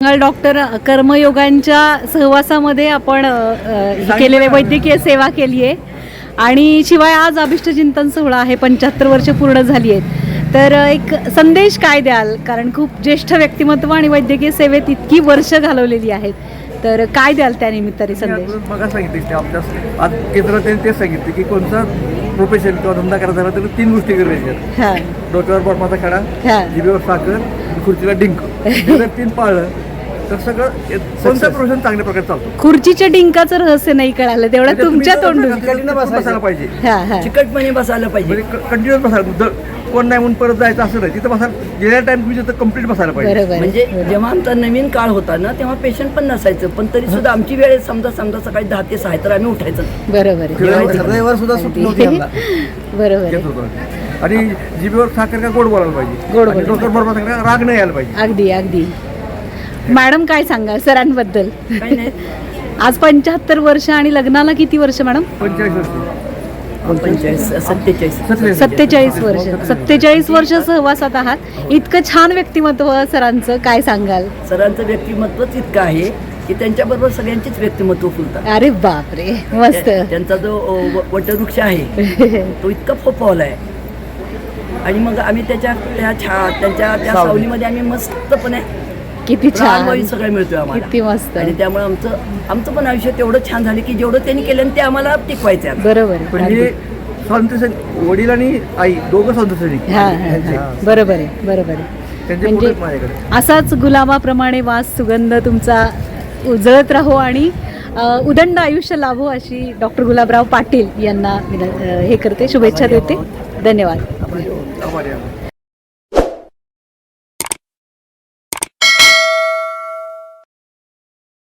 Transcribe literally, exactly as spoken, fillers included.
Doctor कर्मयोगांच्या सहवासामध्ये आपण केलेले वैद्यकीय सेवा केली आहे आणि शिवाय आज अभिष्ट चिंतन सोहळा आहे, पंच्याहत्तर वर्ष पूर्ण झाली आहेत. तर एक संदेश काय द्याल, कारण खूप ज्येष्ठ व्यक्तिमत्व आणि वैद्यकीय सेवेत इतकी वर्ष घालवलेली आहेत, तर काय द्याल त्या निमित्ताने संदेश? बघा सांगितले आपल्या आज केंद्रात त्यांनी तेच सांगितले की कोणता प्रोफेशन किंवा धंदा करायचा झाला तर तीन गोष्टी गरजेच्या आहेत. डोक्यावर बर्माचा खडा, जिभेवर साखर, खुर्चीला डिंक. जर तीन पाळलं तर सगळं कोणतं प्रोफेशन चांगल्या प्रकारे चालतो. खुर्चीच्या डिंकाचं रहस्य नाही कळालं, तेवढं तुमच्या तोंडून बसायला पाहिजे, चिकटपणे बसायला पाहिजे, कंटिन्युअस बसायला. कोण नाही म्हणून परत जायचं असं नाही, तिथं बसायला गेल्या टाइम तुम्ही तिथं कम्प्लीट बसायला पाहिजे. म्हणजे जेव्हा आमचा नवीन काळ होता ना तेव्हा पेशंट पण नसायचं, पण तरी सुद्धा आमची वेळ समजा समजा सकाळी दहा ते सहा तर आम्ही उठायचं. बरोबर रविवार सुद्धा सुट्टी नव्हती आम्हाला. बरोबर. आणि जिभेवर साखर का गोड बोलायला पाहिजे, गोड डोक्यावर बरोबर राग नाही यायला पाहिजे. अगदी अगदी. मॅडम काय सांगा सरांबद्दल? काही नाही, आज पंच्याहत्तर वर्ष आणि लग्नाला किती वर्ष मॅडम? पंचेचाळीस वर्ष पंचेचाळीस सत्तेचाळीस सत्तेचाळीस वर्ष सत्तेचाळीस वर्ष सहवासात आहात. इतकं छान व्यक्तिमत्व सरांचं, काय सांगाल? सरांचं व्यक्तिमत्वच इतकं आहे की त्यांच्याबरोबर सगळ्यांचीच व्यक्तिमत्व फुलतात. अरे बापरे, मस्त. त्यांचा जो वटवृक्ष आहे तो इतका फोफावला आहे आणि मग आम्ही त्याच्या त्या छा त्यांच्या त्या सावलीमध्ये आम्ही मस्तपणे किती छान सगळं मिळतोय आम्हाला, किती मस्त. आणि त्यामुळे आमचं आमचं पण आयुष्य तेवढं छान झालं की जेवढं त्यांनी केलं ते आम्हाला टिकवायचं आहे. बरोबर. म्हणजे स्वातंत्र्य वडील आणि आई दोघं स्वातंत्र्य. हा बरोबर आहे, बरोबर आहे. म्हणजे असाच गुलाबाप्रमाणे वास सुगंध तुमचा उजळत राहो आणि उदंड आयुष्य लाभो अशी डॉक्टर गुलाबराव पाटील यांना हे करते, शुभेच्छा देते. धन्यवाद.